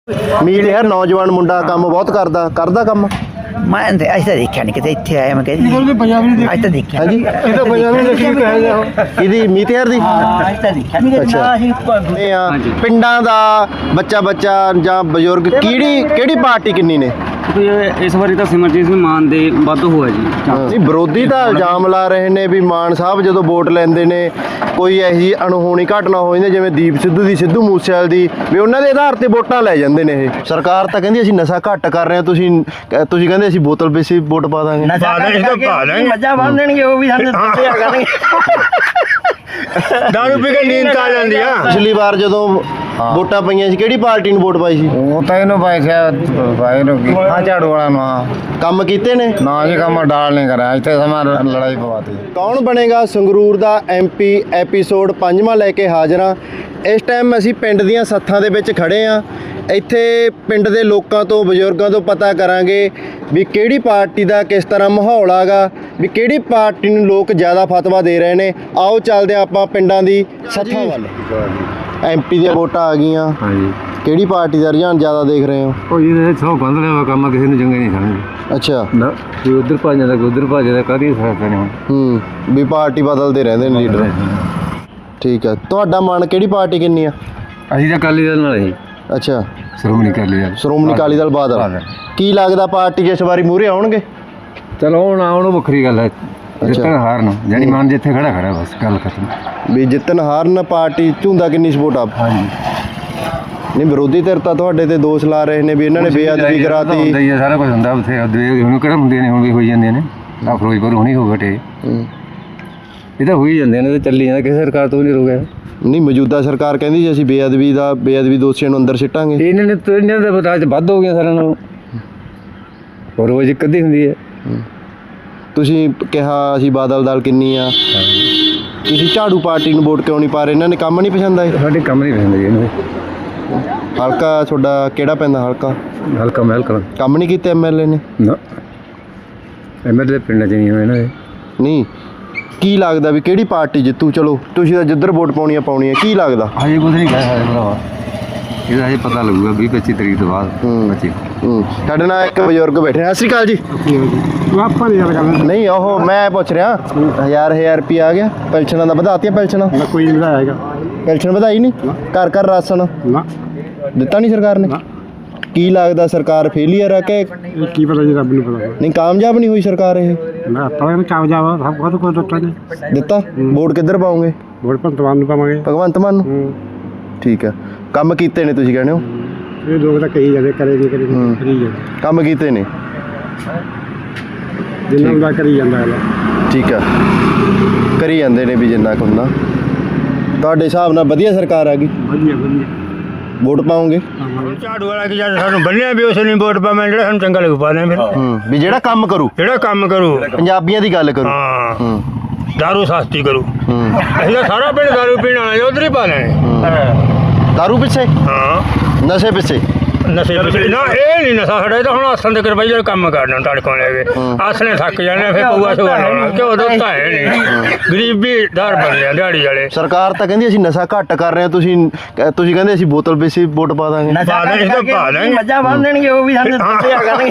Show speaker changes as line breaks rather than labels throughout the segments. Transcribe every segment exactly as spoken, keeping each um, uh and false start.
ਮੀਤ ਯਾਰ ਨੌਜਵਾਨ ਮੁੰਡਾ ਕੰਮ ਬਹੁਤ ਕਰਦਾ ਕਰਦਾ ਕੰਮ।
ਮੈਂ ਤੇ ਅੱਜ ਤਾਂ ਦੇਖਿਆ ਨਹੀਂ ਕਿਤੇ ਇੱਥੇ ਆਇਆ ਮੈਂ ਕਹਿੰਦੀ ਅੱਜ ਤਾਂ ਦੇਖਿਆ
ਹਾਂਜੀ
ਇਹ ਤਾਂ ਪੰਜਾਬ ਨੇ ਦੇਖੀ ਕਹੇ ਜਾ
ਇਹਦੀ ਮੀਤ ਯਾਰ ਦੀ
ਹਾਂ ਅੱਜ ਤਾਂ ਦੇਖਿਆ ਨਹੀਂ
ਅੱਛਾ। ਇਹ ਆ ਪਿੰਡਾਂ ਦਾ ਬੱਚਾ ਬੱਚਾ ਜਾਂ ਬਜ਼ੁਰਗ ਕਿਹੜੀ ਕਿਹੜੀ ਪਾਰਟੀ ਕਿੰਨੀ ਨੇ?
ਇਸ ਵਾਰੀ ਤਾਂ ਸਿਮਰਜੀਤ ਸਿੰਘ ਮਾਨ ਦੇ ਵੱਧ ਹੋਇਆ ਜੀ।
ਨਹੀਂ ਵਿਰੋਧੀ ਤਾਂ ਇਲਜ਼ਾਮ ਲਾ ਰਹੇ ਨੇ ਵੀ ਮਾਨ ਸਾਹਿਬ ਜਦੋਂ ਵੋਟ ਲੈਂਦੇ ਨੇ ਕੋਈ ਇਹੋ ਜਿਹੀ ਅਣਹੋਣੀ ਘਟਨਾ ਹੋ ਜਾਂਦੀ ਜਿਵੇਂ ਦੀਪ ਸਿੱਧੂ ਦੀ ਸਿੱਧੂ ਮੂਸੇਵਾਲੇ ਦੀ ਵੀ ਉਹਨਾਂ ਦੇ ਆਧਾਰ ਤੇ ਵੋਟਾਂ ਲੈ ਜਾਂਦੇ ਨੇ। ਇਹ ਸਰਕਾਰ ਤਾਂ ਕਹਿੰਦੀ ਅਸੀਂ ਨਸ਼ਾ ਘੱਟ ਕਰ ਰਹੇ ਹਾਂ, ਤੁਸੀਂ ਤੁਸੀਂ ਕਹਿੰਦੇ ਅਸੀਂ ਬੋਤਲ ਪੀਸੀ ਵੋਟ ਪਾ ਦਾਂਗੇ।
ਮੱਝਾਂ ਬੰਨ ਦੇਣਗੇ ਉਹ ਵੀ ਸਾਨੂੰ ਦੱਸਿਆ ਕਰਨਗੇ।
ਦਾਰੂ ਪੀ ਕੇ ਨੀਂਦ ਆ ਜਾਂਦੀ ਆ।
ਪਿਛਲੀ ਵਾਰ ਜਦੋਂ ਵੋਟਾਂ ਪਈਆਂ ਸੀ ਕਿਹੜੀ ਪਾਰਟੀ ਨੂੰ ਵੋਟ ਪਾਈ ਸੀ?
ਉਹ ਤਾਂ ਇਹਨੂੰ ਪਾਈ ਸੀ ਭਾਈ ਨੂੰ ਹਾਂ ਝਾੜੂ ਵਾਲਾ ਨੂੰ। ਹਾਂ
ਕੰਮ ਕੀਤੇ ਨੇ
ਨਾ ਜੀ ਕੰਮ ਡਾਲ ਨਹੀਂ ਕਰਿਆ, ਇੱਥੇ ਸਮਾਂ ਲੜਾਈ ਪਵਾਤੀ।
ਕੌਣ ਬਣੇਗਾ ਸੰਗਰੂਰ ਦਾ ਐਮਪੀ ਐਪੀਸੋਡ ਪੰਜਵਾਂ ਲੈ ਕੇ ਹਾਜ਼ਰ ਹਾਂ। ਇਸ ਟਾਈਮ ਅਸੀਂ ਪਿੰਡ ਦੀਆਂ ਸੱਥਾਂ ਦੇ ਵਿੱਚ ਖੜੇ ਹਾਂ। ਇੱਥੇ ਪਿੰਡ ਦੇ ਲੋਕਾਂ ਤੋਂ ਬਜ਼ੁਰਗਾਂ ਤੋਂ ਪਤਾ ਕਰਾਂਗੇ ਵੀ ਕਿਹੜੀ ਪਾਰਟੀ ਦਾ ਕਿਸ ਤਰ੍ਹਾਂ ਮਾਹੌਲ ਆਗਾ, ਵੀ ਕਿਹੜੀ ਪਾਰਟੀ ਨੂੰ ਲੋਕ ਜ਼ਿਆਦਾ ਫਤਵਾ ਦੇ ਰਹੇ ਨੇ। ਆਓ ਚੱਲਦੇ ਹਾਂ ਆਪਾਂ ਪਿੰਡਾਂ ਦੀ ਸੱਥਾਂ ਵੱਲ। ਐਮਪੀ ਦੀਆਂ ਵੋਟਾਂ ਆ ਗਈਆਂ,
ਹਾਂਜੀ
ਕਿਹੜੀ ਪਾਰਟੀ ਦਾ ਰੁਝਾਨ ਜ਼ਿਆਦਾ ਦੇਖ ਰਹੇ ਹੋ?
ਉਹ ਜੀ ਸੌ ਬੰਦ ਲਿਆ ਕੰਮ ਕਿਸੇ ਨੂੰ ਚੰਗੇ ਨਹੀਂ ਸਮਝਦੇ।
ਅੱਛਾ
ਨਾ ਕੋਈ ਉਧਰ ਭੱਜ ਜਾਂਦਾ ਕੋਈ ਉਧਰ ਭੱਜ ਜਾਂਦਾ, ਕਾਹਦੀ ਫਾਇਦਾ ਨਹੀਂ ਹੁਣ।
ਹੂੰ ਵੀ ਪਾਰਟੀ ਬਦਲਦੇ ਰਹਿੰਦੇ ਨੇ ਲੀਡਰ। ਠੀਕ ਹੈ, ਤੁਹਾਡਾ ਮਨ ਕਿਹੜੀ ਪਾਰਟੀ ਕਿੰਨੀ ਆ?
ਅਸੀਂ ਤਾਂ ਅਕਾਲੀ ਦਲ ਨਾਲ ਹੀ।
ਅੱਛਾ
ਸ਼੍ਰੋਮਣੀ ਅਕਾਲੀ ਦਲ।
ਸ਼੍ਰੋਮਣੀ ਅਕਾਲੀ ਦਲ ਬਾਦਲ। ਕੀ ਲੱਗਦਾ ਪਾਰਟੀ ਇਸ ਵਾਰੀ ਮੂਹਰੇ ਆਉਣਗੇ?
ਚਲੋ ਹੁਣ ਆਉਣ ਵੱਖਰੀ ਗੱਲ ਹੈ, ਜਿੱਤਣ ਹਾਰਨ ਜਾਨੀ ਮਨ ਜਿੱਥੇ ਖੜਾ ਖੜਾ ਬਸ ਗੱਲ ਖਤਮ।
ਵੀ ਜਿੱਤਣ ਹਾਰਨ ਪਾਰਟੀ ਝੁੰਦਾ ਕਿੰਨੀ ਸਪੋਰਟ ਆ?
ਹਾਂਜੀ
ਨਹੀਂ ਵਿਰੋਧੀ ਧਿਰ ਤਾਂ ਤੁਹਾਡੇ ਤੇ ਦੋਸ਼ ਲਾ ਰਹੇ ਨੇ ਵੀ ਇਹਨਾਂ ਨੇ ਬੇਅਦਬੀ ਕਰਾਤੀ।
ਹੁੰਦਾ ਹੀ ਹੈ, ਸਾਰਾ ਕੁਝ ਹੁੰਦਾ ਉੱਥੇ। ਹੁਣ ਕਿਹੜਾ ਹੁੰਦੇ ਨੇ, ਹੁਣ ਵੀ ਹੋਈ ਜਾਂਦੇ ਨੇ। ਆ ਫਿਰੋਜ਼ਪੁਰ ਹੁਣੀ ਹੋ ਬਟੇ, ਇਹ ਤਾਂ ਹੋਈ ਜਾਂਦੇ ਨੇ, ਤੇ ਚੱਲੀ ਜਾਂਦਾ, ਕਿਸੇ ਸਰਕਾਰ ਤੋਂ ਵੀ ਨਹੀਂ ਰੁਕਿਆ।
ਨਹੀਂ ਮੌਜੂਦਾ ਸਰਕਾਰ ਕਹਿੰਦੀ ਸੀ ਅਸੀਂ ਬੇਅਦਬੀ ਦਾ ਬੇਅਦਬੀ ਦੋਸ਼ੀਆਂ ਨੂੰ ਅੰਦਰ ਸਿੱਟਾਂਗੇ।
ਇਹਨਾਂ ਨੇ ਤਾਂ ਇਹਨਾਂ ਦੇ ਬਤਾਜ ਵੱਧ ਹੋ ਗਿਆ ਸਾਰਿਆਂ ਨਾਲੋਂ, ਹੋਰ ਰੋਜ਼ ਇੱਕ ਅੱਧੀ ਹੁੰਦੀ ਹੈ।
ਤੁਸੀਂ ਕਿਹਾ ਅਸੀਂ ਬਾਦਲ ਦਲ ਕਿੰਨੀ ਆ, ਤੁਸੀਂ ਝਾੜੂ ਪਾਰਟੀ ਨੂੰ ਵੋਟ ਕਿਉਂ ਨਹੀਂ ਪਾ ਰਹੇ? ਇਹਨਾਂ ਨੇ ਕੰਮ ਨਹੀਂ ਪਸੰਦ ਆਏ?
ਸਾਡੇ ਕੰਮ ਨਹੀਂ ਪਸੰਦ ਜੀ ਇਹਨਾਂ ਦੇ।
ਹਲਕਾ ਤੁਹਾਡਾ ਕਿਹੜਾ ਪੈਂਦਾ? ਹਲਕਾ
ਹਲਕਾ ਮਹਿਲ ਕਰ
ਕੰਮ ਨਹੀਂ ਕੀਤੇ ਐਮਐਲਏ ਨੇ?
ਨਾ ਐਮਐਲਏ ਪਿੰਡਾਂ 'ਚ ਨਹੀਂ ਹੋਏ ਇਹਨਾਂ ਦੇ।
ਨਹੀਂ ਕੀ ਲੱਗਦਾ ਵੀ ਕਿਹੜੀ ਪਾਰਟੀ ਜਿੱਤੂ? ਚਲੋ ਤੁਸੀਂ ਤਾਂ ਜਿੱਧਰ ਵੋਟ ਪਾਉਣੀ ਆ ਪਾਉਣੀ ਆ, ਕੀ ਲੱਗਦਾ?
ਹਜੇ ਕੁਝ ਨਹੀਂ ਕਹਿ ਸਕਦੇ ਭਰਾਵਾ, ਇਹਦਾ ਹਜੇ ਪਤਾ ਲੱਗੂਗਾ ਵੀਹ ਪੱਚੀ ਤਰੀਕ ਤੋਂ ਬਾਅਦ। ਪੱਚੀ
ਹੂੰ ਸਾਡੇ ਨਾਲ ਇੱਕ ਬਜ਼ੁਰਗ ਬੈਠੇ ਨੇ। ਸਤਿ ਸ਼੍ਰੀ ਅਕਾਲ ਜੀ।
ਆਪਾਂ ਨਹੀਂ ਗੱਲ ਕਰਨਾ।
ਨਹੀਂ ਉਹ ਮੈਂ ਪੁੱਛ ਰਿਹਾ ਹਜ਼ਾਰ ਹਜ਼ਾਰ ਰੁਪਇਆ ਆ ਗਿਆ ਪੈਨਸ਼ਨਾਂ ਦਾ, ਵਧਾਤੀਆਂ ਪੈਨਸ਼ਨਾਂ?
ਨਾ ਕੋਈ ਨਹੀਂ ਵਧਾਇਆ ਹੈਗਾ।
ਪੈਨਸ਼ਨ ਵਧਾਈ ਨਹੀਂ? ਘਰ ਘਰ ਰਾਸ਼ਨ
ਨਾ
ਦਿੱਤਾ ਨਹੀਂ ਸਰਕਾਰ ਨੇ? ਕੀ ਲੱਗਦਾ ਸਰਕਾਰ ਫੇਲੀਅਰ ਆ ਕਿ
ਇਹ ਕੀ ਪਤਾ ਜੀ, ਰੱਬ ਨੂੰ ਪਤਾ।
ਨਹੀਂ ਕਾਮਯਾਬ ਨਹੀਂ ਹੋਈ ਸਰਕਾਰ? ਇਹ
ਮੈਂ ਆਪਾਂ ਨੂੰ ਕਾਮਯਾਬ ਸਭ ਕੁਝ ਕੋਈ ਦਿੱਤਾ ਨਹੀਂ
ਦਿੱਤਾ। ਵੋਟ ਕਿੱਧਰ ਪਾਉਂਗੇ?
ਵੋਟ ਭਗਵਾਨ ਨੂੰ ਪਾਵਾਂਗੇ।
ਭਗਵੰਤ ਮਾਨ ਨੂੰ? ਠੀਕ ਹੈ, ਕੰਮ ਕੀਤੇ ਨੇ ਤੁਸੀਂ ਕਹਿੰਦੇ ਹੋ?
ਇਹ ਲੋਕ ਤਾਂ ਕਹੀ ਜਾਂਦੇ, ਕਰੇ ਨਹੀਂ ਕਰੇ ਨਹੀਂ, ਕਰੀ ਜਾਂਦੇ
ਕੰਮ ਕੀਤੇ ਨੇ,
ਜਿੰਨਾ ਹੁੰਦਾ ਕਰੀ ਜਾਂਦਾ ਹੈ।
ਠੀਕ ਆ, ਕਰੀ ਜਾਂਦੇ ਨੇ ਵੀ ਜਿੰਨਾ ਕੁ ਹੁੰਦਾ। ਤੁਹਾਡੇ ਹਿਸਾਬ ਨਾਲ ਵਧੀਆ ਸਰਕਾਰ ਆ ਗਈ,
ਵਧੀਆ ਵਧੀਆ।
ਵੋਟ ਪਾਉਂਗੇ?
ਝਾੜੂ ਵਾਲਾ ਕਿ ਜਦ ਸਾਨੂੰ ਬੰਨਿਆ ਵੀ ਉਸ ਨੂੰ ਵੋਟ ਪਾਵਾਂ, ਜਿਹੜਾ ਸਾਨੂੰ ਚੰਗਾ ਲੱਗੂ ਪਾ ਦੇ। ਫਿਰ
ਹੂੰ ਵੀ ਜਿਹੜਾ ਕੰਮ ਕਰੂ,
ਜਿਹੜਾ ਕੰਮ ਕਰੂ,
ਪੰਜਾਬੀਆਂ ਦੀ ਗੱਲ ਕਰੂ।
ਹਾਂ
ਹੂੰ
ਦਾਰੂ ਸਸਤੀ ਕਰੂ।
ਹੂੰ
ਅਸੀਂ ਤਾਂ ਸਾਰਾ ਪਿੰਡ ਦਾਰੂ ਪੀਣ ਵਾਲਾ ਉਧਰ ਹੀ ਪਾ ਲੈਣੇ।
ਦਾਰੂ ਪਿੱਛੇ,
ਹਾਂ
ਨਸ਼ੇ ਪਿੱਛੇ?
ਨਸ਼ੇ ਪਿੱਛੇ ਨਾ, ਇਹ ਨਹੀਂ ਨਸ਼ਾ ਸਾਡਾ, ਇਹ ਤਾਂ ਹੁਣ ਆਸਣ ਦੇ ਕਰਵਾਈ ਜਿਹੜੇ ਕੰਮ ਕਰਨਾ ਟੜਕੋਂ ਲੈ ਕੇ ਆਸਣੇ ਥੱਕ ਜਾਣੇ, ਫਿਰ ਪਊਆ ਸੁਆ ਲਾਉਣਾ। ਕਿਉਂ ਦੋਸਤਾ ਹੈ ਨਹੀਂ, ਗਰੀਬੀ ਦਰ ਬਣ ਲਿਆ ਦਿਹਾੜੀ ਵਾਲੇ।
ਸਰਕਾਰ ਤਾਂ ਕਹਿੰਦੀ ਅਸੀਂ ਨਸ਼ਾ ਘੱਟ ਕਰ ਰਹੇ ਹਾਂ, ਤੁਸੀਂ ਤੁਸੀਂ ਕਹਿੰਦੇ ਅਸੀਂ ਬੋਤਲ ਪੀਸੀ ਵੋਟ ਪਾ ਦਾਂਗੇ।
ਪਾ ਦੇ ਤਾਂ ਪਾ ਦੇਣਗੇ।
ਮੱਝਾਂ ਬੰਨ ਦੇਣਗੇ ਉਹ ਵੀ ਸਾਨੂੰ ਦੱਸਿਆ ਕਰਨਗੇ।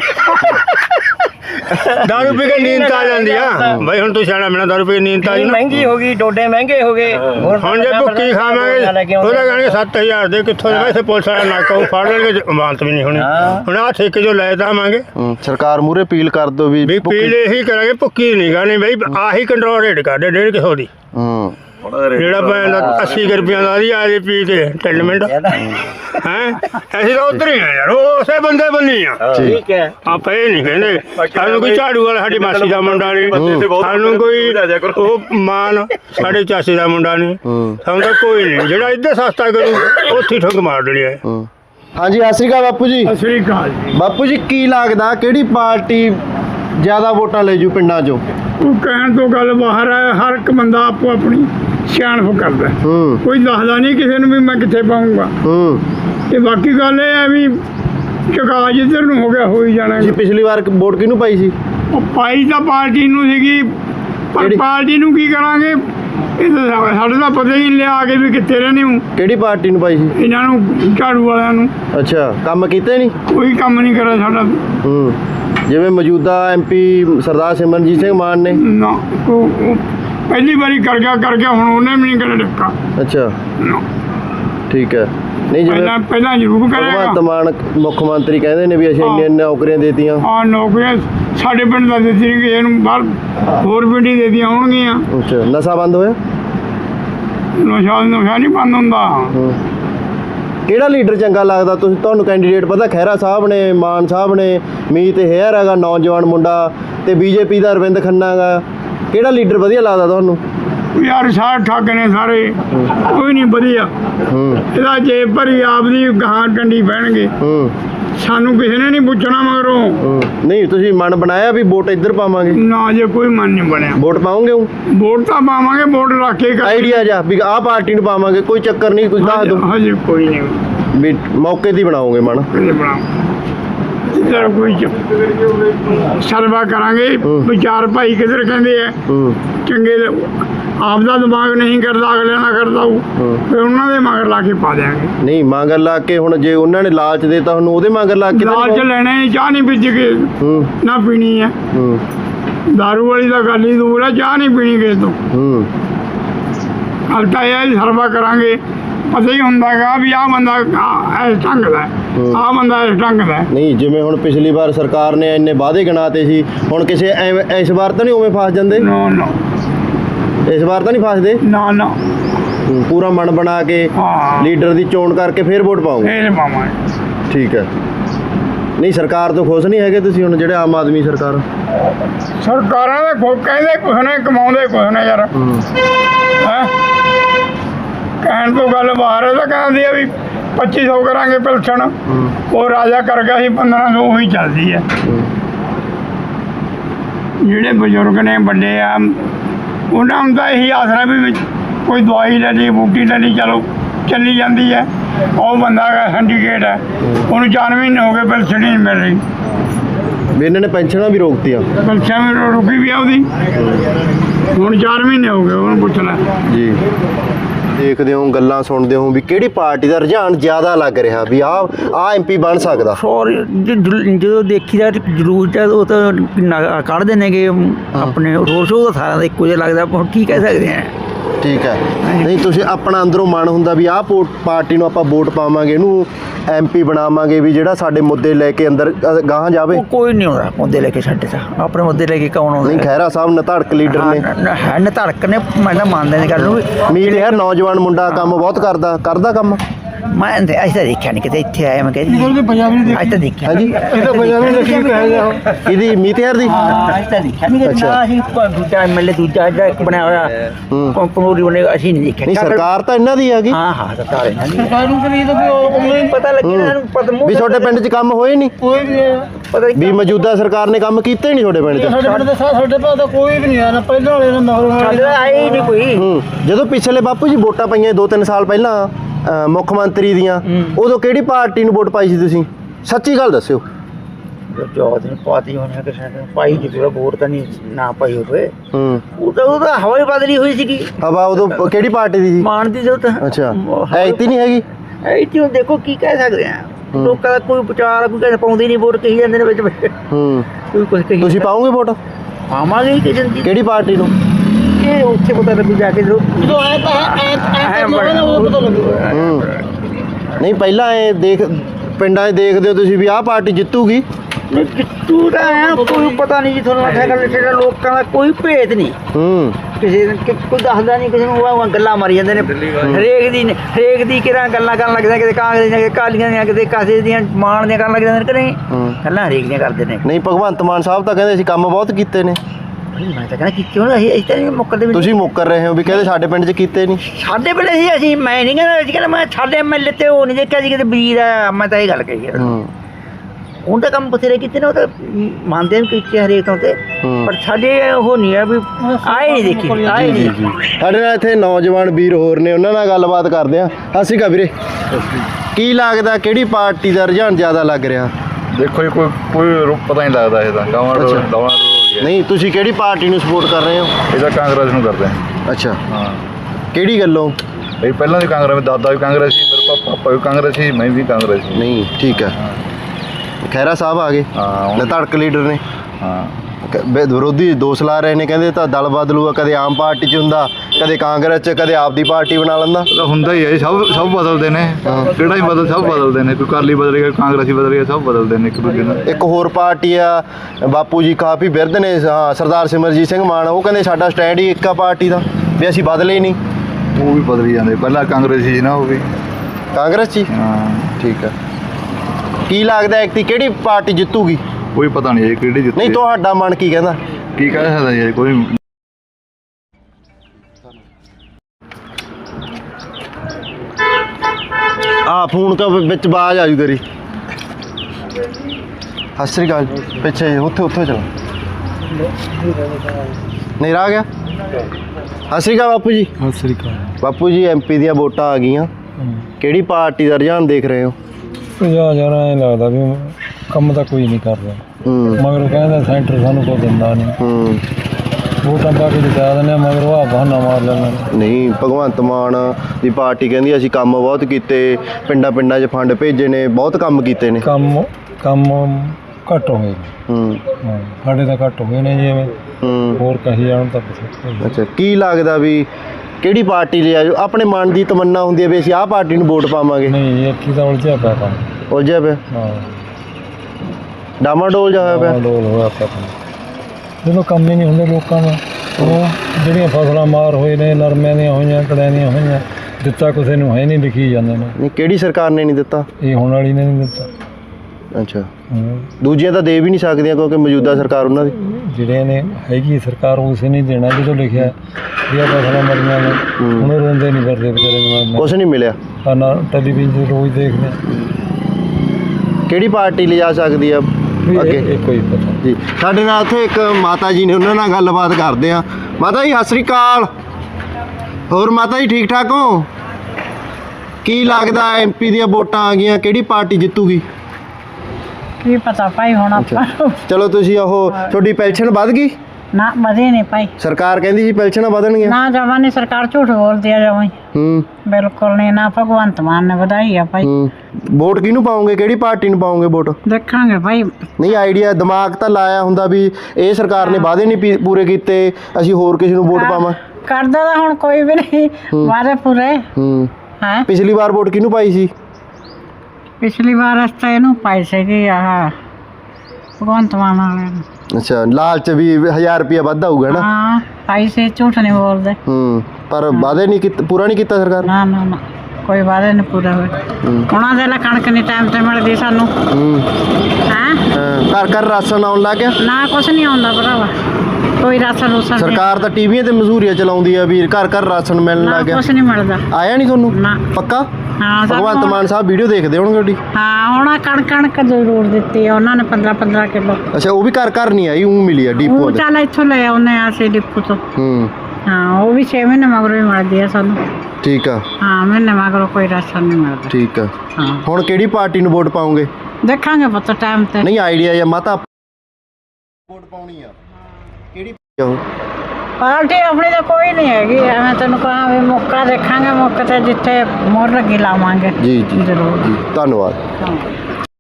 ਦਾਰੂ ਪੀ ਕੇ ਨੀਂਦ ਆ ਜਾਂਦੀ ਆ ਬਈ। ਹੁਣ ਤੂੰ ਸਿਆਣਾ ਬਿਨਾ ਦਾਰੂ ਪੀ ਕੇ ਨੀਂਦ ਆ ਜੀ।
ਮਹਿੰਗੀ ਹੋ ਗਈ, ਡੋਡੇ ਮਹਿੰਗੇ ਹੋ ਗਏ।
ਹੁਣ ਜੇ ਭੁੱਕੀ ਖਾਵਾਂਗੇ ਉਹਦਾ ਕਹਿਣਗੇ ਸੱਤ ਹਜ਼ਾਰ ਦੇ ਕਿੱਥੋਂ ਦੇ? ਵੈਸੇ ਪੁਲਿਸ ਵਾਲਾ ਨਾਕਾ ਉਹ ਫੜ ਲੈਣਗੇ, ਇਮਾਨਤ ਵੀ ਨਹੀਂ ਹੋਣੀ। ਹੁਣ ਆਹ ਠੇਕੇ ਜੋ ਲੈ ਤਾਵਾਂਗੇ,
ਸਰਕਾਰ ਮੂਹਰੇ ਅਪੀਲ ਕਰ ਦੋ ਵੀ
ਵੀ ਪੀਲ ਇਹੀ ਕਰਾਂਗੇ, ਭੁੱਕੀ ਨਹੀਂ ਖਾਣੀ ਬਈ। ਆਹੀ ਕੰਟਰੋਲ ਰੇਟ ਕਰਦੇ ਡੇਢ ਸੌ ਦੀ,
ਹੂੰ
ਜਿਹੜਾ ਪੈਂਦਾ ਅੱਸੀ ਰੁਪਈਆਂ ਦਾ ਦੀ ਆ ਜੇ ਪੀ ਕੇ ਤਿੰਨ ਮਿੰਟ ਹੈ। ਅਸੀਂ ਤਾਂ ਉਧਰ ਹੀ ਆ ਯਾਰ, ਉਹ ਉਸੇ ਬੰਦੇ ਬੰਨੀ ਆ।
ਠੀਕ ਹੈ,
ਆਪਾਂ ਇਹ ਨਹੀਂ ਕਹਿੰਦੇ ਸਾਨੂੰ ਕੋਈ ਝਾੜੂ ਵਾਲਾ ਸਾਡੀ ਮਾਸੀ ਦਾ ਮੁੰਡਾ ਨਹੀਂ, ਸਾਨੂੰ ਕੋਈ ਉਹ ਮਾਨ ਸਾਡੇ ਚਾਚੇ ਦਾ ਮੁੰਡਾ ਨਹੀਂ, ਸਾਨੂੰ ਤਾਂ ਕੋਈ ਨਹੀਂ। ਜਿਹੜਾ ਇੱਧਰ ਸਸਤਾ ਕਰੂ ਉੱਥੇ ਠੁੱਕ ਮਾਰ ਦੇਣੀ ਹੈ।
ਹਾਂਜੀ ਸਤਿ ਸ਼੍ਰੀ ਅਕਾਲ ਬਾਪੂ ਜੀ।
ਸਤਿ ਸ੍ਰੀ ਅਕਾਲ ਜੀ।
ਬਾਪੂ ਜੀ ਕੀ ਲੱਗਦਾ ਕਿਹੜੀ ਪਾਰਟੀ ਜ਼ਿਆਦਾ ਵੋਟਾਂ ਲੈ ਜੂ ਪਿੰਡਾਂ 'ਚੋਂ?
ਉਹ ਕਹਿਣ ਤੋਂ ਗੱਲ ਬਾਹਰ ਹੈ, ਹਰ ਇੱਕ ਬੰਦਾ ਆਪੋ ਆਪਣੀ ਸਿਆਣਪ ਕਰਦਾ।
ਹੂੰ
ਕੋਈ ਦੱਸਦਾ ਨਹੀਂ ਕਿਸੇ ਨੂੰ ਵੀ ਮੈਂ ਕਿੱਥੇ ਪਾਊਂਗਾ।
ਹੂੰ
ਤੇ ਬਾਕੀ ਗੱਲ ਇਹ ਹੈ ਵੀ ਝੁਕਾ ਜਿੱਧਰ ਨੂੰ ਹੋ ਗਿਆ ਹੋ ਹੀ ਜਾਣਾ।
ਜੀ ਪਿਛਲੀ ਵਾਰ ਵੋਟ ਕਿਹਨੂੰ ਪਾਈ ਸੀ?
ਉਹ ਪਾਈ ਤਾਂ ਪਾਰਟੀ ਨੂੰ ਸੀਗੀ, ਪਰ
ਕਿਹੜੀ?
ਪਾਰਟੀ ਨੂੰ ਕੀ ਕਰਾਂਗੇ, ਇਹ ਤਾਂ ਸਾ- ਸਾਡੇ ਦਾ ਪਤਾ ਹੀ ਨਹੀਂ ਲਿਆ ਕੇ ਵੀ ਕਿੱਥੇ ਰਹਿੰਦੇ ਹੋ
ਕਿਹੜੀ ਪਾਰਟੀ ਨੂੰ ਪਾਈ ਸੀ?
ਇਹਨਾਂ ਨੂੰ ਝਾੜੂ ਵਾਲਿਆਂ ਨੂੰ
ਅੱਛਾ, ਕੰਮ ਕੀਤੇ ਨਹੀਂ?
ਕੋਈ ਕੰਮ ਨਹੀਂ ਕਰਿਆ ਸਾਡਾ
ਹੂੰ, ਜਿਵੇਂ ਮੌਜੂਦਾ ਐਮਪੀ ਸਰਦਾਰ ਸਿਮਰਨਜੀਤ ਸਿੰਘ ਮਾਨ ਨੇ।
ਨਾ ਕੋ- ਉਹ ਪਹਿਲੀ ਵਾਰੀ ਕਰ ਗਿਆ ਕਰ ਗਿਆ ਹੁਣ ਉਹਨੇ ਵੀ ਨਹੀਂ ਕਰਿਆ ਡੱਕਾ
ਅੱਛਾ,
ਨਾ।
ਠੀਕ ਹੈ। ਨਹੀਂ ਜਿਵੇਂ
ਪਹਿਲਾਂ ਪਹਿਲਾਂ ਜ਼ਰੂਰ
ਭਗਵੰਤ
ਕਰੇਗਾ
ਮਾਨ ਮੁੱਖ ਮੰਤਰੀ ਕਹਿੰਦੇ ਨੇ ਵੀ ਅਸੀਂ ਇੰਨੀਆਂ ਇੰਨੀਆਂ ਨੌਕਰੀਆਂ ਦੇਤੀਆਂ।
ਆ ਨੌਕਰੀਆਂ ਸਾਡੇ ਪਿੰਡ ਦਾ ਦਿੱਤੀ ਨਹੀਂ ਕਿਸੇ ਨੂੰ, ਬਾਹਰ ਹੋਰ ਪਿੰਡ ਹੀ ਦੇਤੀਆਂ ਹੋਣਗੀਆਂ।
ਅੱਛਾ, ਨਸ਼ਾ ਬੰਦ ਹੋਇਆ?
ਨਸ਼ਾ ਨਸ਼ਾ ਨਹੀਂ ਬੰਦ ਹੁੰਦਾ।
ਹੂੰ। ਕਿਹੜਾ ਲੀਡਰ ਚੰਗਾ ਲੱਗਦਾ ਤੁਸੀਂ ਤੁਹਾਨੂੰ? ਕੈਂਡੀਡੇਟ ਪਤਾ ਖਹਿਰਾ ਸਾਹਿਬ ਨੇ, ਮਾਨ ਸਾਹਿਬ ਨੇ, ਮੀਤ ਹੇਅਰ ਹੈਗਾ ਨੌਜਵਾਨ ਮੁੰਡਾ, ਤੇ ਬੀਜੇਪੀ ਦਾ ਅਰਵਿੰਦ ਖੰਨਾ ਗਾ। ਕਿਹੜਾ ਲੀਡਰ ਵਧੀਆ ਲੱਗਦਾ ਤੁਹਾਨੂੰ?
ਯਾਰ ਸਾਰੇ ਠੱਗ ਨੇ ਸਾਰੇ, ਕੋਈ ਨਹੀਂ ਵਧੀਆ।
ਹੂੰ
ਇਹਦਾ ਜੇ ਭਰੀ ਆਪਦੀ ਗਾਂ ਡੰਡੀ ਬਹਿਣਗੇ,
ਹੂੰ
ਸਾਨੂੰ ਕਿਸੇ ਨੇ ਨਹੀਂ ਪੁੱਛਣਾ ਮਗਰੋਂ।
ਹੂੰ। ਨਹੀਂ ਤੁਸੀਂ ਮਨ ਬਣਾਇਆ ਵੀ ਵੋਟ ਇੱਧਰ ਪਾਵਾਂਗੇ?
ਨਾ ਜੇ ਕੋਈ ਮਨ ਨਹੀਂ ਬਣਿਆ।
ਵੋਟ ਪਾਉਂਗੇ?
ਵੋਟ ਤਾਂ ਪਾਵਾਂਗੇ, ਵੋਟ ਰੱਖ ਕੇ ਕਰ
ਆਈਡੀਆ ਜਾ ਵੀ ਆਹ ਪਾਰਟੀ ਨੂੰ ਪਾਵਾਂਗੇ, ਕੋਈ ਚੱਕਰ ਨਹੀਂ, ਕੁਝ ਦੱਸ ਦਿਓ
ਹਜੇ ਕੋਈ ਨਹੀਂ
ਵੀ ਮੌਕੇ ਦੀ ਬਣਾਓਗੇ ਮਨ।
ਕਿਤੇ ਬਣਾਓ ਜਿੱਧਰ ਕੋਈ ਚ- ਸਰਵਾ ਕਰਾਂਗੇ। ਵਿਚਾਰ ਭਾਈ ਕਿਧਰ ਕਹਿੰਦੇ ਆ
ਹੂੰ
ਚੰਗੇ ਆਪਦਾ ਦਿਮਾਗ ਨਹੀਂ ਕਰਦਾ, ਅਗਲੇ ਨਾਲ ਕਰਦਾ ਉਹ ਫਿਰ ਉਹਨਾਂ ਦੇ ਮਗਰ ਲਾ ਕੇ ਪਾ ਦਿਆਂਗੇ।
ਨਹੀਂ ਮਗਰ ਲਾ ਕੇ, ਹੁਣ ਜੇ ਉਹਨਾਂ ਨੇ ਲਾਲਚ ਦੇਤਾ ਤੁਹਾਨੂੰ ਉਹਦੇ ਮਗਰ ਲਾ ਕੇ ਤਾਂ
ਲਾਲਚ
ਨਹੀਂ?
ਲੈਣੇ ਚਾਹ ਨਹੀਂ ਪੀਜੀ ਕੇ
ਹੂੰ
ਨਾ ਪੀਣੀ ਹੈ।
ਹੂੰ
ਦਾਰੂ ਵਾਲੀ ਤਾਂ ਗੱਲ ਹੀ ਦੂਰ ਹੈ, ਚਾਹ ਨਹੀਂ ਪੀਣੀ ਕਿਸੇ ਤੋਂ।
ਹੂੰ
ਗੱਲ ਤਾਂ ਇਹ ਹੈ ਜੀ, ਸਰਵਾ ਕਰਾਂਗੇ ਪਤਾ ਹੀ ਹੁੰਦਾਗਾ ਵੀ ਆਹ ਬੰਦਾ ਆਹ ਇਸ ਢੰਗ ਦਾ ਹੈ, ਆਹ ਬੰਦਾ ਇਸ ਢੰਗ ਦਾ ਹੈ।
ਨਹੀਂ ਜਿਵੇਂ ਹੁਣ ਪਿਛਲੀ ਵਾਰ ਸਰਕਾਰ ਨੇ ਇੰਨੇ ਵਾਅਦੇ ਗਿਣਾਤੇ ਸੀ, ਹੁਣ ਕਿਸੇ ਐਵੇਂ ਇਸ ਵਾਰ ਤਾਂ ਨਹੀਂ ਉਵੇਂ ਫਸ ਜਾਂਦੇ?
ਨਾ ਨਾ
ਇਸ ਵਾਰ ਤਾਂ ਨਹੀਂ ਫਸਦੇ?
ਨਾ ਨਾ
ਹੂੰ, ਪੂਰਾ ਮਨ ਬਣਾ ਕੇ
ਹਾਂ
ਲੀਡਰ ਦੀ ਚੋਣ ਕਰਕੇ ਫਿਰ ਵੋਟ ਪਾਉਂਗੇ।
ਇਹ ਮਾਮਾ
ਠੀਕ ਹੈ। ਨਹੀਂ ਸਰਕਾਰ ਤੋਂ ਖੁਸ਼ ਨਹੀਂ ਹੈਗੇ ਤੁਸੀਂ ਹੁਣ, ਜਿਹੜੇ ਆਮ ਆਦਮੀ ਸਰਕਾਰ?
ਸਰਕਾਰਾਂ ਦੇ ਖੋ ਕਹਿੰਦੇ ਕੁਛ ਨੇ, ਕਮਾਉਂਦੇ ਕੁਛ ਨੇ ਯਾਰ।
ਹੂੰ
ਹੈਂ ਕਹਿਣ ਤੋਂ ਗੱਲ ਬਾਹਰ ਹੈ ਤਾਂ ਕਹਿੰਦੀ ਆ ਵੀ ਪੱਚੀ ਸੌ ਕਰਾਂਗੇ ਪਿਲਸਣ,
ਹੂੰ
ਉਹ ਰਾਜਾ ਕਰ ਗਿਆ ਸੀ ਪੰਦਰਾਂ ਸੌ, ਉਹੀ ਚੱਲਦੀ ਹੈ।
ਹੂੰ।
ਜਿਹੜੇ ਬਜ਼ੁਰਗ ਨੇ ਵੱਡੇ ਆ ਉਹਨਾਂ ਨੂੰ ਤਾਂ ਇਹੀ ਆਸਰਾ ਵੀ ਵਿੱਚ ਕੋਈ ਦਵਾਈ ਲੈ ਲਈ, ਬੂਟੀ ਲੈ ਲਈ, ਚਲੋ ਚੱਲੀ ਜਾਂਦੀ ਹੈ। ਉਹ ਬੰਦਾ ਹੈਗਾ ਸਿੰਡੀਕੇਟ ਹੈ, ਉਹਨੂੰ ਚਾਰ ਮਹੀਨੇ ਹੋ ਗਏ ਪੈਨਸ਼ਨ ਨਹੀਂ ਮਿਲ ਰਹੀ।
ਵੀ ਇਹਨਾਂ ਨੇ ਪੈਨਸ਼ਨਾਂ ਵੀ ਰੋਕਤੀਆਂ।
ਪੈਨਸ਼ਨ ਵੀ ਰੁਕੀ ਵੀ ਆ ਉਹਦੀ, ਹੁਣ ਚਾਰ ਮਹੀਨੇ ਹੋ ਗਏ, ਉਹਨੂੰ ਪੁੱਛ ਲੈ।
ਜੀ ਦੇਖਦੇ ਹੋ, ਗੱਲਾਂ ਸੁਣਦੇ ਹੋ ਵੀ ਕਿਹੜੀ ਪਾਰਟੀ ਦਾ ਰੁਝਾਨ ਜ਼ਿਆਦਾ ਲੱਗ ਰਿਹਾ ਵੀ ਆਹ ਆਹ ਐਮਪੀ ਬਣ ਸਕਦਾ?
ਔਰ ਜਦੋਂ ਦੇਖੀਦਾ ਜਲੂਸ ਹੈ ਉਹ ਤਾਂ ਕਿੰਨਾ ਕੱਢਦੇ ਨੇਗੇ ਆਪਣੇ ਰੋਡ ਸ਼ੋਅ ਦਾ, ਸਾਰਾ ਦਾ ਇੱਕੋ ਜਿਹਾ ਲੱਗਦਾ। ਹੁਣ ਕੀ ਕਹਿ ਸਕਦੇ ਆ।
ਠੀਕ ਹੈ। ਨਹੀਂ ਤੁਸੀਂ ਆਪਣਾ ਅੰਦਰੋਂ ਮਨ ਹੁੰਦਾ ਵੀ ਆਹ ਪੋ- ਪਾਰਟੀ ਨੂੰ ਆਪਾਂ ਵੋਟ ਪਾਵਾਂਗੇ, ਇਹਨੂੰ ਐਮਪੀ ਬਣਾਵਾਂਗੇ ਵੀ ਜਿਹੜਾ ਸਾਡੇ ਮੁੱਦੇ ਲੈ ਕੇ ਅੰਦਰ ਅ, ਗਾਹਾਂ ਜਾਵੇ?
ਉਹ ਕੋਈ ਨਹੀਂ ਆਉਂਦਾ ਮੁੱਦੇ ਲੈ ਕੇ ਸਾਡੇ ਤਾਂ, ਆਪਣੇ ਮੁੱਦੇ ਲੈ ਕੇ ਕੌਣ ਆਉਂਦਾ?
ਨਹੀਂ ਖਹਿਰਾ ਸਾਹਿਬ ਨਧੜਕ ਲੀਡਰ ਨੇ।
ਹੈ ਨ ਧੜਕ ਨੇ, ਮੈਂ ਤਾਂ ਮੰਨਦਾ ਨਹੀਂ ਗੱਲ ਨੂੰ।
ਮੀਤ ਯਾਰ ਨੌਜਵਾਨ ਮੁੰਡਾ ਕੰਮ ਬਹੁਤ ਕਰਦਾ ਕਰਦਾ ਕੰਮ।
ਮੈਂ ਤੇ ਅੱਜ ਤਾਂ ਦੇਖਿਆ ਨਹੀਂ ਕਿਤੇ, ਇੱਥੇ ਆਇਆ ਮੈਂ ਕਹਿੰਦੀ ਅੱਜ ਤਾਂ ਦੇਖਿਆ
ਹਾਂਜੀ
ਇਹ ਤਾਂ ਪੰਜਾਬੀ ਲਿਖੀ ਕਹੇ
ਇਹਦੀ ਮੀਤ ਯਾਰ ਦੀ?
ਹਾਂ ਅੱਜ ਤਾਂ ਦੇਖਿਆ ਨਹੀਂ ਕਿਤੇ। ਨਾ ਅਸੀਂ ਪ- ਦੂਜਾ ਐਮਐਲਏ ਦੂਜਾ ਜਿਹੜਾ ਇੱਕ ਬਣਿਆ ਹੋਇਆ
ਹੂੰ।
ਪੰਪਨੂਰੀ ਉਹਨੇ ਅਸੀਂ ਨਹੀਂ ਦੇਖਿਆ।
ਨਹੀਂ ਸਰਕਾਰ ਤਾਂ ਇਹਨਾਂ ਦੀ ਹੈਗੀ
ਹਾਂ ਹਾਂ ਸਰਕਾਰ ਇਹਨਾਂ ਦੀ ਸਰਕਾਰ ਨੂੰ ਕਰੀ ਤਾਂ ਉਹਨੂੰ ਪਤਾ ਲੱਗੀ ਨਾ, ਇਹਨੂੰ ਪਤਾ ਮੂੰਹ
ਵੀ ਤੁਹਾਡੇ ਪਿੰਡ 'ਚ ਕੰਮ ਹੋਏ ਨਹੀਂ?
ਕੋਈ ਵੀ ਪਤਾ
ਵੀ ਮੌਜੂਦਾ ਸਰਕਾਰ ਨੇ ਕੰਮ ਕੀਤੇ ਨਹੀਂ ਤੁਹਾਡੇ ਪਿੰਡ 'ਚ?
ਸਾਡੇ ਪਿੰਡ ਦੇ ਸਾਡੇ ਪਾਸ ਤਾਂ ਕੋਈ ਵੀ ਨਹੀਂ ਆਇਆ ਨਾ, ਪਹਿਲਾਂ ਵਾਲੇ ਨੇ ਮਗਰ
ਸਾਡੇ ਤਾਂ ਆਏ ਹੀ ਨਹੀਂ ਕੋਈ।
ਹੂੰ। ਜਦੋਂ ਪਿਛਲੇ ਬਾਪੂ ਜੀ ਵੋਟਾਂ ਪਈਆਂ ਦੋ ਤਿੰਨ ਸਾਲ ਪਹਿਲਾਂ ਅ, ਮੁੱਖ ਮੰਤਰੀ ਦੀਆਂ, ਉਦੋਂ ਕਿਹੜੀ ਪਾਰਟੀ ਨੂੰ ਵੋਟ ਪਾਈ ਸੀ ਤੁਸੀਂ? ਸੱਚੀ ਗੱਲ ਦੱਸਿਓ।
ਜੋਤ ਨੇ ਪਾਤੀ ਹੋਣੀ ਕਿ ਸਾਡੇ ਪਾਈ ਜੀ ਪੂਰਾ ਵੋਟ ਤਾਂ ਨਹੀਂ ਨਾ ਪਾਈ ਹੋਵੇ।
ਹੂੰ।
ਉਹ ਤਾਂ ਉਹ ਤਾਂ ਹਵਾ ਹੀ ਬਦਲੀ ਹੋਈ ਸੀਗੀ
ਹਵਾ ਉਦੋਂ ਕਿਹੜੀ ਪਾਰਟੀ ਦੀ ਸੀ?
ਮਾਨ ਦੀ ਜੋ ਤਾਂ
ਅੱਛਾ, ਐਤੀ ਨਹੀਂ ਹੈਗੀ?
ਇਹ ਚੀਜ਼ ਦੇਖੋ ਕੀ ਕਹਿ ਸਕਦੇ ਆ। ਲੋਕਾਂ ਦਾ ਕੋਈ ਵਿਚਾਰ, ਕੋਈ ਕਹਿੰਦਾ ਪਾਉਂਦੀ ਨਹੀਂ ਵੋਟ, ਕਹੀ ਜਾਂਦੇ ਨੇ ਵਿੱਚ ਵਿੱਚ
ਹੂੰ।
ਕੋਈ ਕੁਝ ਕਹੀ।
ਤੁਸੀਂ ਪਾਓਗੇ ਵੋਟ?
ਪਾਵਾਂਗੇ ਹੀ ਕਿਸੇ ਦੀ।
ਕਿਹੜੀ ਪਾਰਟੀ ਨੂੰ?
ਇਹ ਉੱਥੇ ਪਤਾ ਲੱਗੂ ਜਾ ਕੇ ਜਦੋਂ
ਜਦੋਂ ਆਇਆ ਤਾਂ ਐ ਉਹ ਪਤਾ ਲੱਗੂਗਾ।
ਹੂੰ। ਨਹੀਂ ਪਹਿਲਾਂ ਇਹ ਦੇਖ ਪਿੰਡਾਂ 'ਚ ਦੇਖਦੇ ਹੋ ਤੁਸੀਂ ਵੀ ਆਹ ਪਾਰਟੀ ਜਿੱਤੂਗੀ?
ਨਹੀਂ ਕਿੱਥੂ ਦਾ ਹੈ, ਕੋਈ ਪਤਾ ਨਹੀਂ ਜੀ ਤੁਹਾਨੂੰ। ਆਖਿਆ ਗੱਲ ਜਿਹੜਾ ਲੋਕਾਂ ਦਾ ਕੋਈ ਭੇਦ ਨਹੀਂ,
ਹੂੰ।
ਕਿਸੇ ਨੂੰ ਕਿ- ਕੋਈ ਦੱਸਦਾ ਨਹੀਂ ਕਿਸੇ ਨੂੰ। ਉਹ ਗੱਲਾਂ ਮਾਰੀ ਜਾਂਦੇ ਨੇ ਹਰੇਕ ਦੀ ਹਰੇਕ ਦੀ ਕਿਹੜਾ ਗੱਲਾਂ ਕਰਨ ਲੱਗ ਜਾਂਦੇ, ਕਿਤੇ ਕਾਂਗਰਸ ਦੀਆਂ, ਕਿਤੇ ਕਾਲੀਆਂ ਦੀਆਂ, ਕਿਤੇ ਕਾਸੇ ਦੀਆਂ, ਮਾਨ ਦੀਆਂ ਕਰਨ ਲੱਗ ਜਾਂਦੇ ਨੇ ਕਿ ਨਹੀਂ।
ਹੂੰ।
ਗੱਲਾਂ ਹਰੇਕ ਦੀਆਂ ਕਰਦੇ ਨੇ।
ਨਹੀਂ ਭਗਵੰਤ ਮਾਨ ਸਾਹਿਬ ਤਾਂ ਕਹਿੰਦੇ ਅਸੀਂ ਕੰਮ ਬਹੁਤ ਕੀਤੇ ਨੇ।
ਮੈਂ ਤਾਂ ਕਹਿੰਦਾ ਕਿ ਕਿਉਂ ਅਸੀਂ ਇਸ ਤਰ੍ਹਾਂ ਮੁੱਕਰਦੇ ਵੀ ਨਹੀਂ।
ਤੁਸੀਂ ਮੁੱਕਰ ਰਹੇ ਹੋ ਵੀ ਕਹਿੰਦੇ ਸਾਡੇ ਪਿੰਡ 'ਚ ਕੀਤੇ ਨਹੀਂ।
ਸਾਡੇ ਵੇਲੇ ਸੀ ਅਸੀਂ, ਮੈਂ ਨਹੀਂ ਕਹਿੰਦਾ, ਅਸੀਂ ਕਹਿੰਦਾ ਮੈਂ ਸਾਡੇ ਐਮਐਲਏ ਤੇ ਉਹ ਨਹੀਂ ਦੇਖਿਆ ਸੀ ਕਿਤੇ ਵੀਰ ਆ। ਮੈਂ ਤਾਂ ਇਹ ਗੱਲ ਕਹੀ ਹੈ।
ਹੂੰ।
ਹੁਣ ਤਾਂ ਕੰਮ ਬਥੇਰੇ ਕੀਤੇ ਨੇ, ਉਹ ਤਾਂ ਮੰਨਦੇ ਨੇ ਕੀਤੇ ਹਰੇਕ ਤੋਂ ਤੇ,
ਹੂੰ।
ਪਰ ਸਾਡੇ ਉਹ ਨਹੀਂ ਆ ਵੀ ਆਏ ਨਹੀਂ ਦੇਖੀ, ਆਏ
ਜੀ
ਨਹੀਂ।
ਜੀ ਸਾਡੇ ਨਾਲ ਇੱਥੇ ਨੌਜਵਾਨ ਵੀਰ ਹੋਰ ਨੇ, ਉਹਨਾਂ ਨਾਲ ਗੱਲਬਾਤ ਕਰਦੇ ਆ। ਸਤਿ ਸ਼੍ਰੀ ਅਕਾਲ ਵੀਰੇ। ਕੀ ਲੱਗਦਾ ਕਿਹੜੀ ਪਾਰਟੀ ਦਾ ਰੁਝਾਨ ਜ਼ਿਆਦਾ ਲੱਗ ਰਿਹਾ?
ਦੇਖੋ ਜੀ, ਕੋਈ ਕੋਈ ਰੁ- ਪਤਾ ਨਹੀਂ ਲੱਗਦਾ ਇਹਦਾ ਗਾਵਾਂ
ਅੱਛਾ।
ਗਾਵਾਂ
ਨਹੀਂ ਤੁਸੀਂ ਕਿਹੜੀ ਪਾਰਟੀ ਨੂੰ ਸਪੋਰਟ ਕਰ ਰਹੇ ਹੋ?
ਇਹਦਾ ਕਾਂਗਰਸ ਨੂੰ ਕਰਦੇ ਹਾਂ।
ਅੱਛਾ,
ਹਾਂ
ਕਿਹੜੀ ਗੱਲੋਂ?
ਇਹ ਪਹਿਲਾਂ ਵੀ ਕਾਂਗਰਸ, ਦਾਦਾ ਵੀ ਕਾਂਗਰਸੀ, ਮੇਰੇ ਪਾਪਾ ਪਾਪਾ ਵੀ ਕਾਂਗਰਸੀ, ਮੈਂ ਵੀ ਕਾਂਗਰਸੀ।
ਨਹੀਂ ਠੀਕ ਹੈ। ਖਹਿਰਾ ਸਾਹਿਬ ਆ ਗਏ,
ਹਾਂ
ਨੇ ਧੜਕ ਲੀਡਰ ਨੇ।
ਹਾਂ
ਕ- ਵਿ- ਵਿਰੋਧੀ ਦੋਸ਼ ਲਾ ਰਹੇ ਨੇ, ਕਹਿੰਦੇ ਤਾਂ ਦਲ ਬਦਲੂਆ, ਕਦੇ ਆਮ ਪਾਰਟੀ 'ਚ ਹੁੰਦਾ, ਕਦੇ ਕਾਂਗਰਸ 'ਚ, ਕਦੇ ਆਪਦੀ ਪਾਰਟੀ ਬਣਾ ਲੈਂਦਾ।
ਤਾਂ ਹੁੰਦਾ ਹੀ ਹੈ, ਸਭ ਸਭ ਬਦਲਦੇ ਨੇ। ਕਿਹੜਾ ਹੀ ਬਦਲ, ਸਭ ਬਦਲਦੇ ਨੇ। ਕੋਈ ਅਕਾਲੀ ਬਦਲ ਗਿਆ, ਕਾਂਗਰਸੀ ਬਦਲ ਗਿਆ, ਸਭ ਬਦਲਦੇ ਨੇ ਇੱਕ ਦੂਜੇ ਨਾਲ।
ਇੱਕ ਹੋਰ ਪਾਰਟੀ ਆ, ਬਾਪੂ ਜੀ ਕਾਫੀ ਬਿਰਧ ਨੇ, ਹਾਂ, ਸਰਦਾਰ ਸਿਮਰਜੀਤ ਸਿੰਘ ਮਾਨ, ਉਹ ਕਹਿੰਦੇ ਸਾਡਾ ਸਟੈਂਡ ਹੀ ਇੱਕ ਆ ਪਾਰਟੀ ਦਾ, ਵੀ ਅਸੀਂ ਬਦਲੇ ਹੀ ਨਹੀਂ।
ਉਹ ਵੀ ਬਦਲੀ ਜਾਂਦੇ, ਪਹਿਲਾਂ ਕਾਂਗਰਸੀ ਸੀ ਨਾ ਉਹ ਵੀ।
ਕਾਂਗਰਸ 'ਚ ਹੀ?
ਹਾਂ
ਠੀਕ ਹੈ। ਕੀ ਲੱਗਦਾ ਐਕਤੀ ਕਿਹੜੀ ਪਾਰਟੀ ਜਿੱਤੂਗੀ?
ਕੋਈ ਪਤਾ ਨਹੀਂ ਹੈ ਕਿਹੜੀ ਜਿੱਤੀ।
ਨਹੀਂ ਤੁਹਾਡਾ ਮਨ ਕੀ ਕਹਿੰਦਾ?
ਕੀ ਕਹਿ ਸਕਦਾ ਜੀ ਕੋਈ।
ਆ ਫੋਨ ਕਾ ਵਿੱਚ ਆਵਾਜ਼ ਆ ਜੂ ਤੇਰੀ। ਸਤਿ ਸ਼੍ਰੀ ਅਕਾਲ। ਪਿੱਛੇ ਉੱਥੇ ਉੱਥੇ ਚਲੋ। ਨਹੀਂ ਆ ਗਿਆ। ਸਤਿ ਸ਼੍ਰੀ ਅਕਾਲ ਬਾਪੂ ਜੀ।
ਸਤਿ ਸ੍ਰੀ ਅਕਾਲ।
ਬਾਪੂ ਜੀ ਐਮਪੀ ਦੀਆਂ ਵੋਟਾਂ ਆ ਗਈਆਂ, ਕਿਹੜੀ ਪਾਰਟੀ ਦਾ ਰੁਝਾਨ ਦੇਖ ਰਹੇ ਹੋ?
ਪੰਜਾਹ ਹਜ਼ਾਰ ਐਂ ਲੱਗਦਾ ਵੀ ਕੰਮ ਤਾਂ ਕੋਈ ਨਹੀਂ ਕਰਦਾ,
ਹੂੰ
ਮਗਰ ਕਹਿੰਦਾ ਸੈਂਟਰ ਸਾਨੂੰ ਕੋਈ ਦਿੰਦਾ ਨਹੀਂ।
ਹੂੰ
ਵੋਟਾਂ ਪਾ ਕੇ ਜਿਤਾ ਦਿੰਦੇ ਆ, ਮਗਰ ਉਹ ਆ ਬਹਾਨਾ ਮਾਰ ਲੈਂਦੇ ਨੇ।
ਨਹੀਂ, ਭਗਵੰਤ ਮਾਨ ਦੀ ਪਾਰਟੀ ਕਹਿੰਦੀ ਅਸੀਂ ਕੰਮ ਬਹੁਤ ਕੀਤੇ, ਪਿੰਡਾਂ ਪਿੰਡਾਂ 'ਚ ਫੰਡ ਭੇਜੇ ਨੇ, ਬਹੁਤ ਕੰਮ ਕੀਤੇ ਨੇ।
ਕੰਮ ਕੰਮ ਘੱਟ ਹੋਏ ਨੇ।
ਹੂੰ
ਹਾਂ ਸਾਡੇ ਤਾਂ ਘੱਟ ਹੋਏ ਨੇ, ਜਿਵੇਂ
ਹੂੰ
ਹੋਰ ਕਹੀ ਜਾਣ ਤਾਂ ਕੁਛ।
ਅੱਛਾ, ਕੀ ਲੱਗਦਾ ਵੀ ਕਿਹੜੀ ਪਾਰਟੀ ਲਈ ਆਜੋ? ਆਪਣੇ ਮਨ ਦੀ ਤਮੰਨਾ ਹੁੰਦੀ ਹੈ ਵੀ ਅਸੀਂ ਆਹ ਪਾਰਟੀ ਨੂੰ ਵੋਟ ਪਾਵਾਂਗੇ।
ਨਹੀਂ ਇੱਥੇ ਤਾਂ ਉਲਝਿਆ ਪਿਆ ਕੰਮ।
ਉਲਝਿਆ ਪਿਆ,
ਹਾਂ
ਡਾਮਾਡੋਲ ਜਿਹਾ ਹੋਇਆ ਪਿਆ।
ਡੋਲ ਹੋਇਆ ਪਿਆ ਕੰਮ। ਜਦੋਂ ਕੰਮ ਹੀ ਨਹੀਂ ਹੁੰਦੇ ਲੋਕਾਂ ਦਾ, ਉਹ ਜਿਹੜੀਆਂ ਫਸਲਾਂ ਮਾਰ ਹੋਏ ਨੇ, ਨਰਮਿਆਂ ਦੀਆਂ ਹੋਈਆਂ, ਕੜਿਆਂ ਦੀਆਂ ਹੋਈਆਂ, ਦਿੱਤਾ ਕਿਸੇ ਨੂੰ ਹੈ ਨਹੀਂ, ਲਿਖੀ ਜਾਂਦੇ ਨੇ।
ਨਹੀਂ, ਕਿਹੜੀ ਸਰਕਾਰ ਨੇ ਨਹੀਂ ਦਿੱਤਾ?
ਇਹ ਹੁਣ ਵਾਲੀ ਨੇ ਨਹੀਂ ਦਿੱਤਾ।
ਅੱਛਾ,
ਹਾਂ।
ਦੂਜੀਆਂ ਤਾਂ ਦੇ ਵੀ ਨਹੀਂ ਸਕਦੀਆਂ ਕਿਉਂਕਿ ਮੌਜੂਦਾ ਸਰਕਾਰ ਉਹਨਾਂ ਦੀ।
ਜਿਹੜਿਆਂ ਨੇ ਹੈਗੀ ਸਰਕਾਰ ਉਸੇ ਨਹੀਂ ਦੇਣਾ। ਜਦੋਂ ਲਿਖਿਆ ਵੀ ਆ ਫਸਲਾਂ ਮਰੀਆਂ ਨੇ, ਹੁਣ ਉਹ ਰੋਂਦੇ ਨਹੀਂ ਫਿਰਦੇ ਵਿਚਾਰੇ ਨੂੰ।
ਕੁਛ ਨਹੀਂ ਮਿਲਿਆ।
ਆ ਨਾ ਟੈਲੀਵਿਜ਼ਨ 'ਤੇ ਰੋਜ਼ ਦੇਖਦੇ ਆ।
ਕਿਹੜੀ ਪਾਰਟੀ ਲਿਜਾ ਸਕਦੀ ਆ
ਵੀ
ਅੱਗੇ?
ਇਹ- ਇਹ ਕੋਈ ਪਤਾ
ਜੀ, ਸਾਡੇ ਨਾਲ ਉੱਥੇ ਇੱਕ ਮਾਤਾ ਜੀ ਨੇ, ਉਹਨਾਂ ਨਾਲ ਗੱਲਬਾਤ ਕਰਦੇ ਆ। ਮਾਤਾ ਜੀ ਸਤਿ ਸ੍ਰੀ ਅਕਾਲ। ਹੋਰ ਮਾਤਾ ਜੀ ਠੀਕ ਠਾਕ ਹੋ? ਕੀ ਲੱਗਦਾ ਐਮਪੀ ਦੀਆਂ ਵੋਟਾਂ ਆ ਗਈਆਂ, ਕਿਹੜੀ ਪਾਰਟੀ ਜਿੱਤੂਗੀ?
ਕੀ ਪਤਾ ਭਾਈ ਹੁਣ ਆਪਾਂ ਨੂੰ।
ਚਲੋ ਤੁਸੀਂ ਉਹ, ਤੁਹਾਡੀ ਪੈਨਸ਼ਨ ਵੱਧ ਗਈ?
ਨਾ ਵਧੇ ਨਹੀਂ ਭਾਈ।
ਸਰਕਾਰ ਕਹਿੰਦੀ ਸੀ ਪੈਨਸ਼ਨਾਂ ਵਧਣਗੀਆਂ।
ਨਾ ਜਮਾਂ ਨਹੀਂ, ਸਰਕਾਰ ਝੂਠ ਬੋਲਦੀ ਆ ਜਮਾਂ ਹੀ।
ਹੂੰ
ਬਿਲਕੁਲ ਨਹੀਂ, ਨਾ ਭਗਵੰਤ ਮਾਨ ਨੇ ਵਧਾਈ ਆ ਭਾਈ।
ਹੂੰ ਵੋਟ ਕਿਹਨੂੰ ਪਾਓਗੇ, ਕਿਹੜੀ ਪਾਰਟੀ ਨੂੰ ਪਾਓਗੇ ਵੋਟ?
ਦੇਖਾਂਗੇ ਭਾਈ।
ਨਹੀਂ, ਆਈਡੀਆ ਦਿਮਾਗ ਤਾਂ ਲਾਇਆ ਹੁੰਦਾ ਵੀ ਇਹ ਸਰਕਾਰ ਨੇ ਵਾਅਦੇ ਨਹੀਂ ਪੀ- ਪੂਰੇ ਕੀਤੇ, ਅਸੀਂ ਹੋਰ ਕਿਸੇ ਨੂੰ ਵੋਟ ਪਾਵਾਂ।
ਕਰਦਾ ਤਾਂ ਹੁਣ ਕੋਈ ਵੀ ਨਹੀਂ ਵਾਅਦੇ ਪੂਰੇ।
ਹੂੰ
ਹੈ
ਪਿਛਲੀ ਵਾਰ ਵੋਟ ਕਿਹਨੂੰ ਪਾਈ ਸੀ?
ਪਿਛਲੀ ਵਾਰ ਅਸਤਾ ਇਹਨੂੰ ਪਾਈ ਸੀਗੀ ਆਹ ਭਗਵੰਤ ਮਾਨ ਵਾਲਿਆਂ ਨੂੰ।
ਅੱਛਾ, ਲਾਲਚ ਵੀ ਹਜ਼ਾਰ ਰੁਪਇਆ ਵੱਧ ਆਊਗਾ ਨਾ।
ਹਾਂ ਪਾਈ ਸੀ, ਝੂਠ ਨਹੀਂ ਬੋਲਦੇ।
ਹੂੰ ਪਰ ਵਾਅਦੇ ਨਹੀਂ ਕੀਤੇ, ਪੂਰਾ ਨਹੀਂ ਕੀਤਾ ਸਰਕਾਰ।
ਨਾ ਨਾ ਨਾ ਕੋਈ ਵਾਅਦੇ ਨਹੀਂ ਪੂਰੇ ਹੋਏ। ਉਹਨਾਂ ਦੇ ਲਈ ਕਣਕ ਨਹੀਂ ਟਾਈਮ ਤੇ ਮਿਲਦੀ ਸਾਨੂੰ।
ਹੂੰ
ਹੈ
ਹਾਂ, ਘਰ ਘਰ ਰਾਸ਼ਨ ਆਉਣ ਲੱਗ ਗਿਆ।
ਨਾ ਕੁਛ ਨਹੀਂ ਆਉਂਦਾ ਭਰਾਵਾ, ਕੋਈ ਰਾਸ਼ਨ ਰੂਸ਼ਨ ਨਹੀਂ।
ਸਰਕਾਰ ਤਾਂ ਟੀਵੀਆਂ ਤੇ ਮਜ਼ਦੂਰੀਆਂ ਚਲਾਉਂਦੀ ਆ ਵੀ ਘਰ ਘਰ ਰਾਸ਼ਨ ਮਿਲਣ
ਨਾ
ਲੱਗ ਗਿਆ।
ਕੁਛ ਨਹੀਂ ਮਿਲਦਾ।
ਆਇਆ ਨਹੀਂ ਤੁਹਾਨੂੰ?
ਨਾ।
ਪੱਕਾ?
ਹਾਂ ਸਾਨੂੰ
ਭਗਵੰਤ ਮਾਨ ਸਾਹਿਬ ਵੀਡੀਓ ਦੇਖਦੇ ਹੋਣਗੇ ਤੁਹਾਡੀ।
ਹਾਂ ਹੁਣ ਆਹ ਕਣਕ ਕਣਕ ਜ਼ਰੂਰ ਦਿੱਤੀ ਆ ਉਹਨਾਂ ਨੇ, ਪੰਦਰਾਂ ਪੰਦਰਾਂ ਕਿਲੋ।
ਅੱਛਾ, ਉਹ ਵੀ ਘਰ ਘਰ ਨਹੀਂ ਆਈ, ਉਹ ਮਿਲੀ ਆ ਡੀਪੋ
ਉਹ
ਤੇ।
ਚੱਲ ਇੱਥੋਂ ਲੈ ਆਉਂਦੇ ਆ ਅਸੀਂ ਡਿਪੂ ਤੋਂ।
ਹੂੰ
ਹਾਂ ਉਹ ਵੀ ਛੇ ਮਹੀਨੇ ਮਗਰੋਂ ਹੀ ਮਿਲਦੀ ਆ ਸਾਨੂੰ।
ਠੀਕ ਆ।
ਹਾਂ ਮਹੀਨੇ ਮਗਰੋਂ ਕੋਈ ਰਾਸ਼ਨ ਨਹੀਂ ਮਿਲਦਾ।
ਠੀਕ ਆ।
ਹਾਂ
ਹੁਣ ਕਿਹੜੀ ਪਾਰਟੀ ਨੂੰ ਵੋਟ ਪਾਉਂਗੇ?
ਦੇਖਾਂਗੇ ਪੁੱਤ ਟਾਈਮ ਤੇ।
ਨਹੀਂ ਆਈਡੀਆ ਜਾਂ ਮਾਤਾ ਵੋਟ ਪਾਉਣੀ ਆ ਕਿਹੜੀ ਉਹ?
ਪਾਰਟੀ ਆਪਣੀ ਤਾਂ ਕੋਈ ਨਹੀਂ ਹੈਗੀ, ਐਵੇਂ ਤੈਨੂੰ ਕਹਾਂ ਵੀ ਮੌਕਾ ਦੇਖਾਂਗੇ, ਮੌਕੇ ਤੇ ਜਿੱਥੇ ਮੋਹਰ ਲੱਗੀ ਲਾਵਾਂਗੇ।
ਜੀ ਜੀ
ਜ਼ਰੂਰ।
ਜੀ, ਧੰਨਵਾਦ।
ਹਾਂ।